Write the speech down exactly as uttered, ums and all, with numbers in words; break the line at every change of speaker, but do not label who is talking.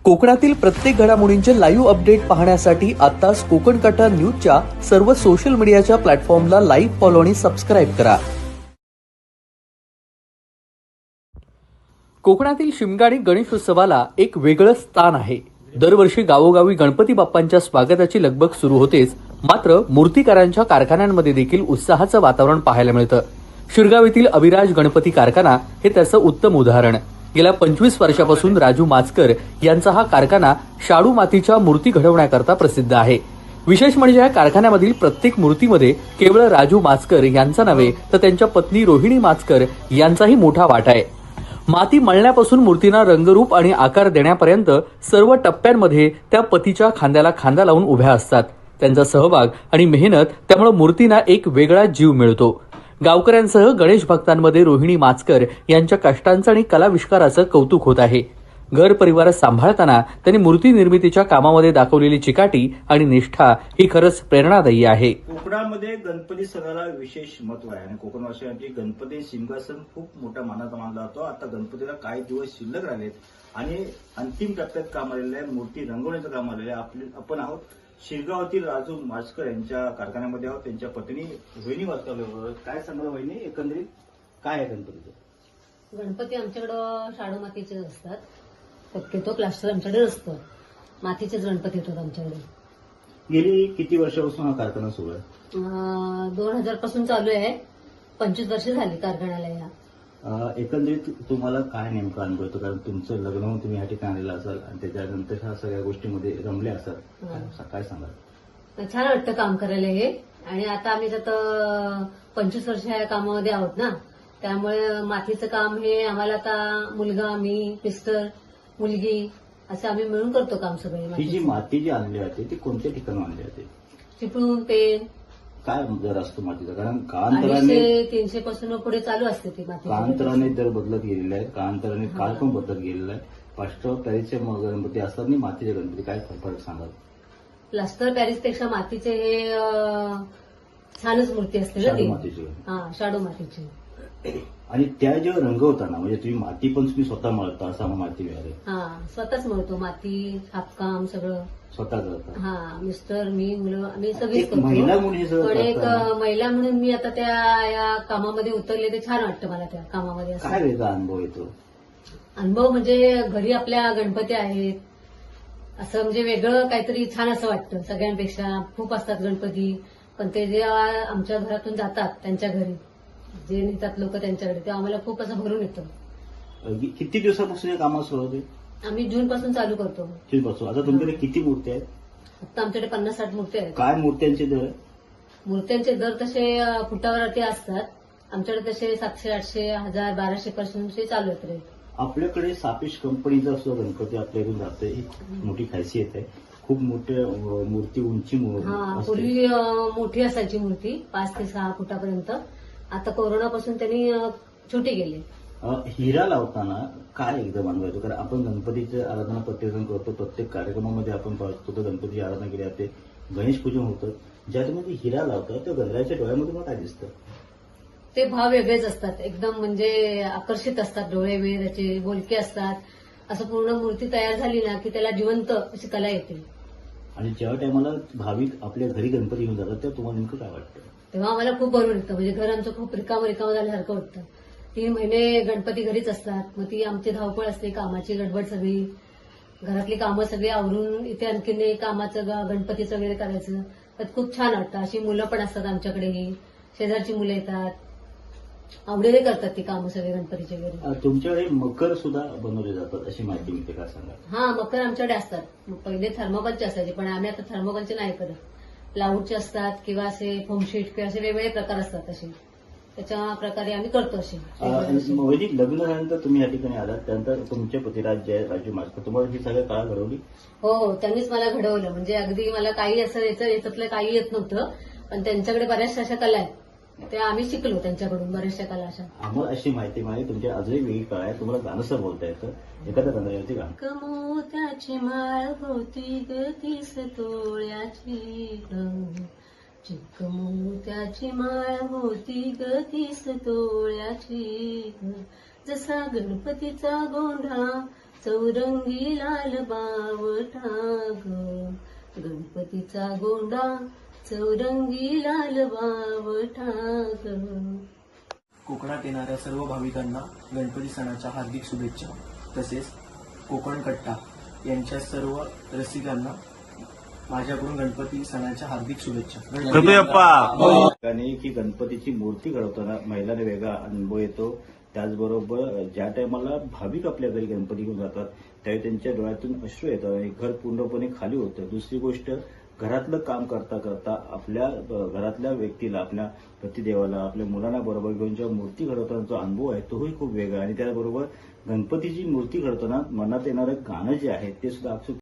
कोकणातील प्रत्येक घडामोडींचे लाईव्ह अपडेट पाहण्यासाठी आताच कोकण कटा न्यूजच्या सर्व सोशल मीडियाच्या प्लॅटफॉर्मला लाईक, फॉलो आणि सबस्क्राईब करा. कोकणातील शिमगाडी गणेशोत्सवाला एक वेगळं स्थान आहे. दरवर्षी गावोगावी गणपती बाप्पांच्या स्वागताची लगबग सुरू होतेच, मात्र मूर्तिकारांच्या कारखान्यांमध्ये देखील उत्साहाचं वातावरण पाहायला मिळतं. शिरगाव येथील अभिराज गणपती कारखाना हे त्याचं उत्तम उदाहरण. गेल्या पंचवीस वर्षापासून राजू माचकर यांचा हा कारखाना शाडू मातीच्या मूर्ती घडवण्याकरता प्रसिद्ध आहे. विशेष म्हणजे या कारखान्यामधील प्रत्येक मूर्तीमध्ये केवळ राजू माचकर यांचा नव्हे तर त्यांच्या पत्नी रोहिणी माचकर यांचाही मोठा वाटा आहे. माती मळण्यापासून मूर्तींना रंगरूप आणि आकार देण्यापर्यंत सर्व टप्प्यांमध्ये त्या पतीच्या खांद्याला खांदा लावून उभ्या असतात. त्यांचा सहभाग आणि मेहनत त्यामुळे मूर्तींना एक वेगळा जीव मिळतो. गावकऱ्यांसह गणेश भक्तांमध्ये रोहिणी माचकर यांच्या कष्टांचं आणि कलाविष्काराचं कौतुक होत आहे. घर परिवार सांभाळताना त्यांनी मूर्ती निर्मितीच्या कामामध्ये दाखवलेली चिकाटी आणि निष्ठा ही खरंच प्रेरणादायी आहे.
कोकणामध्ये गणपती सणाला विशेष महत्व आहे आणि कोकणवासियांची गणपती सिंहासन खूप मोठा मानाचा मानला जातो. आता गणपतीला काही दिवस शिल्लक राहिलेत आणि अंतिम टप्प्यात काम आलेलं आहे. मूर्ती रंगवण्याचं काम आलेलं आहे. आपले आपण आहोत शिरगावातील राजू माचकर यांच्या कारखान्यामध्ये आहोत. त्यांच्या पत्नी रोहिणी माचकर. काय सांगा वहिनी, एकंदरीत काय आहे गणपतीचं?
गणपती आमच्याकडं शाडू मातीचे असतात. शक्यतो प्लास्टर आमच्याकडे असतं. मातीचेच गणपती येतात आमच्याकडे.
गेली किती वर्षापासून हा कारखाना सुरू आहे?
दोन हजार पासून चालू आहे. पंचवीस वर्ष झाली कारखान्याला या.
एकंदरीत तुम्हाला काय नेमका अनुभव येतो? कारण तुमचं लग्न होऊन तुम्ही या ठिकाणी आलेला असाल आणि त्याच्यानंतर ह्या सगळ्या गोष्टीमध्ये रमले असाल, काय सांगाल?
छान वाटतं काम करायला हे. आणि आता आम्ही त्यात पंचवीस वर्ष या कामामध्ये आहोत ना, त्यामुळे मातीचं काम हे आम्हाला आता मुलगा, मी, मिस्टर, मुलगी असं आम्ही मिळून करतो काम सगळे.
ही जी माती जी आणली जाते ती कोणत्या ठिकाणी आणली जाते?
चिपळूण, पेन.
काय दर असतो मातीचा? कारण काळांतराने
तीनशे पासून पुढे चालू असते ती माती.
काळांतराने दर बदलत गेलेला आहे. काळांतराने काळ पण बदलत गेलेला आहे. प्लास्टर पॅरिसचे गणपती असतात आणि मातीचे गणपती, काय फरक सांगाल?
प्लास्टर पॅरिस पेक्षा मातीचे हे छानच मूर्ती असते ना ती.
मातीची.
हा, शाडू मातीची.
आणि त्या जेव्हा रंगवताना म्हणजे तुम्ही माती पण तुम्ही स्वतः मळता असं आम्हाला माहिती मिळाली?
हा, स्वतःच मळतो. माती, छापकाम सगळं
स्वतः करता?
हा, मिस्टर, मी, मुलं, आम्ही सगळीच करतो.
महिला म्हणून हे सगळं
पण एक
करताना
महिला म्हणून मी आता त्या या कामामध्ये उतरले. ते छान वाटतं मला त्या कामामध्ये. असं
काय वेगळा अनुभव येतो?
अनुभव म्हणजे घरी आपल्या गणपती आहेत असं म्हणजे वेगळं काहीतरी छान असं वाटतं. सगळ्यांपेक्षा खूप असतात गणपती, पण ते जेव्हा आमच्या घरातून जातात त्यांच्या घरी, जे नेतात लोक त्यांच्याकडे, तेव्हा आम्हाला खूप असं भरून येतं.
किती दिवसापासून या कामाला सुरुवात आहे?
आम्ही जून पासून चालू करतो.
जून पासून. आता तुमच्याकडे किती मूर्ती आहेत?
आता आमच्याकडे पन्नास साठ मूर्ती आहेत.
काय मूर्त्यांचे दर?
मूर्त्यांचे दर तसे फुटावरती असतात. आमच्याकडे तसे सातशे, आठशे, हजार, बाराशे पासून चालू आहेत रेट.
आपल्याकडे सापेश कंपनीचा सुद्धा गणपती आपल्याकडून जातोय. ही मोठी खासियत आहे. खूप मोठ्या मूर्ती, उंची
हा, पूर्वी मोठी असायची मूर्ती, पाच ते सहा फुटापर्यंत. आता कोरोनापासून त्यांनी छोटी गेली.
हिरा लावताना काय एकदम अनुभव येतो? कारण आपण गणपतीची आराधना प्रत्येकजण करतो. प्रत्येक कार्यक्रमामध्ये आपण पाहतो तर गणपतीची आराधना केली जाते, गणेश पूजन होतं. ज्या तुम्ही हिरा लावता त्या गणरायाच्या डोळ्यामध्ये मला काय दिसतं?
ते भाव वेगळेच असतात. एकदम म्हणजे आकर्षित असतात डोळे, वेळ त्याचे बोलके असतात. असं पूर्ण मूर्ती तयार झाली ना की त्याला जिवंत अशी कला येते.
आणि ज्या टायमाला भाविक आपल्या घरी गणपती घेऊन जातात तेव्हा तुम्हाला नेमकं काय वाटतं?
तेव्हा आम्हाला खूप बरं वाटतं. म्हणजे घर आमचं खूप रिकामं रिकामं झाल्यासारखं वाटतं. तीन महिने गणपती घरीच असतात. मग ती आमची धावपळ असते, कामाची गडबड सगळी, घरातली कामं सगळी आवरून इथे आणखीन कामाचं गणपतीचं वगैरे करायचं. तर खूप छान वाटतं. अशी मुलं पण असतात आमच्याकडेही, शेजारची मुलं येतात, आवडीने करतात ती कामं सगळे गणपतीच्या घरी.
तुमच्याकडे मकर सुद्धा बनवले जातात अशी माहिती मिळते, काय सांगा?
हा, मकर आमच्याकडे असतात. पहिले थर्मोकॉलचे असायचे, पण आम्ही आता थर्मोकॉलचे नाही करत. प्लाऊडचे असतात किंवा असे फोमशीट किंवा असे वेगवेगळे प्रकार असतात. असे त्याच्या प्रकारे आम्ही करतो. असे
वैदिक लग्न झाल्यानंतर तुम्ही या ठिकाणी आलात, त्यानंतर तुमचे पतिराज जे राजू माचकर, तुम्हाला ही सगळ्या कळा घडवली?
हो हो, त्यांनीच मला घडवलं. म्हणजे अगदी मला काही असं याचं याच्यातलं काही येत नव्हतं, पण त्यांच्याकडे बऱ्याचशा अशा कला आहेत, त्या आम्ही शिकलो त्यांच्याकडून बऱ्याचशा कला अशा.
आम्हाला अशी माहिती मिळाली तुमच्या अजूनही वेगळी कळा आहे. तुम्हाला गाणंसं बोलता येतं, एखाद्या गंधर्वाची गाणं.
कमोत्याची माळ होती ग तीस तोळ्याची, चिक्क मोत्याची माळ होती ग तीस तोळ्याची, जसा गणपतीचा गोंधळा चौरंगी लाल बावटा ग, गणपतीचा गोंडा चौरंगी लाल बावटा ग.
कोकणात येणाऱ्या सर्व भाविकांना गणपती सणाच्या हार्दिक शुभेच्छा. तसेच कोकण कट्टा यांच्या सर्व रसिकांना माझ्याकडून गणपती सणाच्या हार्दिक शुभेच्छा.
ठिकाणी की गणपतीची मूर्ती घडवताना महिलांना वेगळा अनुभव येतो. त्याचबरोबर ज्या टायमाला भाविक आपल्या घरी गणपती घेऊन जातात त्यावेळी त्यांच्या डोळ्यातून अश्रू येतात आणि घर पूर्णपणे खाली होतं. दुसरी गोष्ट, घरातलं काम करता करता आपल्या घरातल्या व्यक्तीला, आपल्या पतिदेवाला, आपल्या मुलांना बरोबर घेऊन जेव्हा मूर्ती घडवताना जो अनुभव आहे तोही खूप वेगळा. आणि त्याचबरोबर गणपतीची मूर्ती घडवताना मनात येणारं गाणं जे आहे ते सुद्धा